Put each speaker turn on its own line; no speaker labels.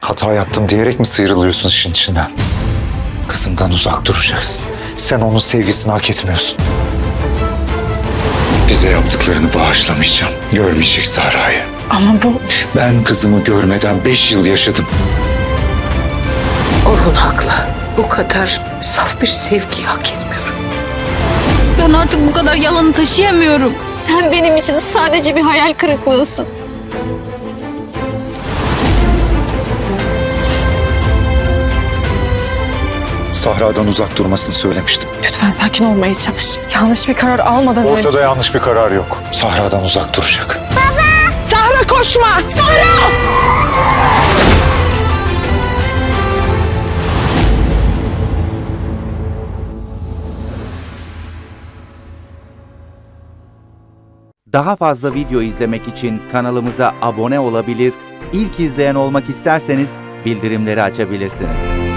Hata yaptım diyerek mi sıyrılıyorsun işin içinden? Kızımdan uzak duracaksın. Sen onun sevgisini hak etmiyorsun. Bize yaptıklarını bağışlamayacağım. Görmeyecek Sahra'yı.
Ama bu...
Ben kızımı görmeden 5 yıl yaşadım.
Orhun haklı. Bu kadar saf bir sevgiyi hak etmiyorum.
Ben artık bu kadar yalanı taşıyamıyorum. Sen benim için sadece bir hayal kırıklığısın.
Sahra'dan uzak durmasını söylemiştim.
Lütfen sakin olmaya çalış. Yanlış bir karar almadan önce...
Ortada yanlış bir karar yok. Sahra'dan uzak duracak.
Sahra koşma! Sahra!
Daha fazla video izlemek için kanalımıza abone olabilir, ilk izleyen olmak isterseniz bildirimleri açabilirsiniz.